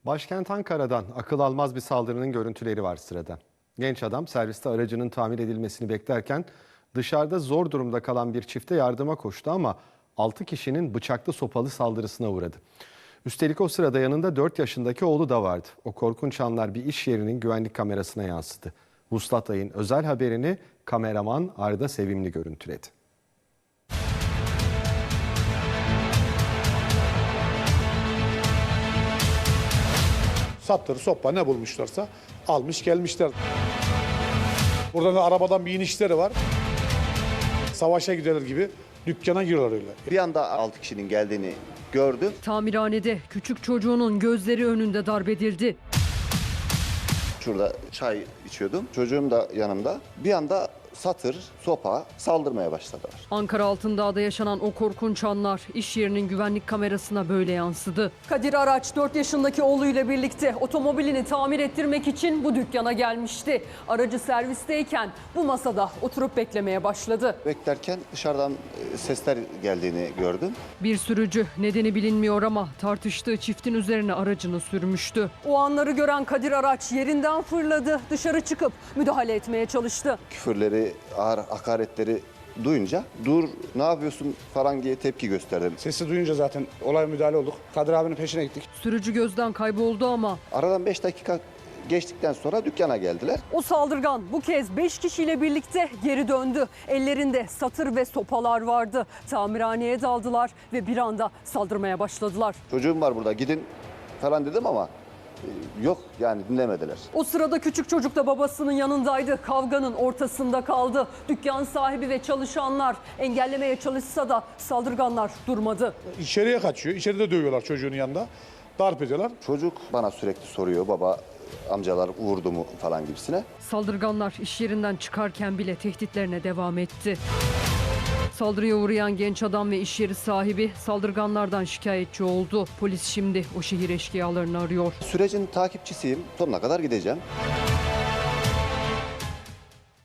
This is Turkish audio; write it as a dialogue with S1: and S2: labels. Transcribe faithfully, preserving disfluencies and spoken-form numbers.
S1: Başkent Ankara'dan akıl almaz bir saldırının görüntüleri var sırada. Genç adam serviste aracının tamir edilmesini beklerken dışarıda zor durumda kalan bir çifte yardıma koştu ama altı kişinin bıçaklı sopalı saldırısına uğradı. Üstelik o sırada yanında dört yaşındaki oğlu da vardı. O korkunç anlar bir iş yerinin güvenlik kamerasına yansıdı. Vuslat Ay'ın özel haberini kameraman Arda Sevimli görüntüledi.
S2: Saptır, sopa ne bulmuşlarsa almış gelmişler. Burada da arabadan bir inişleri var. Savaşa giderler gibi dükkana giriyorlar öyle.
S3: Bir anda altı kişinin geldiğini gördü.
S4: Tamirhanede küçük çocuğunun gözleri önünde darp edildi.
S3: Şurada çay içiyordum. Çocuğum da yanımda. Bir anda satır, sopa saldırmaya başladılar.
S4: Ankara Altındağ'da yaşanan o korkunç anlar iş yerinin güvenlik kamerasına böyle yansıdı.
S5: Kadir Araç dört yaşındaki oğluyla birlikte otomobilini tamir ettirmek için bu dükkana gelmişti. Aracı servisteyken bu masada oturup beklemeye başladı.
S3: Beklerken dışarıdan sesler geldiğini gördüm.
S4: Bir sürücü, nedeni bilinmiyor ama tartıştığı çiftin üzerine aracını sürmüştü.
S5: O anları gören Kadir Araç yerinden fırladı, dışarı çıkıp müdahale etmeye çalıştı.
S3: Küfürleri, ağır hakaretleri duyunca dur ne yapıyorsun falan diye tepki gösterdim.
S2: Sesi duyunca zaten olaya müdahale olduk. Kadir abinin peşine gittik.
S4: Sürücü gözden kayboldu ama
S3: Aradan beş dakika geçtikten sonra dükkana geldiler.
S5: O saldırgan bu kez beş kişiyle birlikte geri döndü. Ellerinde satır ve sopalar vardı. Tamirhaneye daldılar ve bir anda saldırmaya başladılar.
S3: Çocuğum var burada gidin falan dedim ama yok yani dinlemediler.
S5: O sırada küçük çocuk da babasının yanındaydı. Kavganın ortasında kaldı. Dükkan sahibi ve çalışanlar engellemeye çalışsa da saldırganlar durmadı.
S2: İçeriye kaçıyor. İçeride dövüyorlar çocuğun yanında. Darp ediyorlar.
S3: Çocuk bana sürekli soruyor baba amcalar vurdu mu falan gibisine.
S4: saldırganlar iş yerinden çıkarken bile tehditlerine devam etti. Saldırıya uğrayan genç adam ve iş yeri sahibi saldırganlardan şikayetçi oldu. Polis şimdi o şehir eşkıyalarını arıyor.
S3: Sürecin takipçisiyim. Sonuna kadar gideceğim.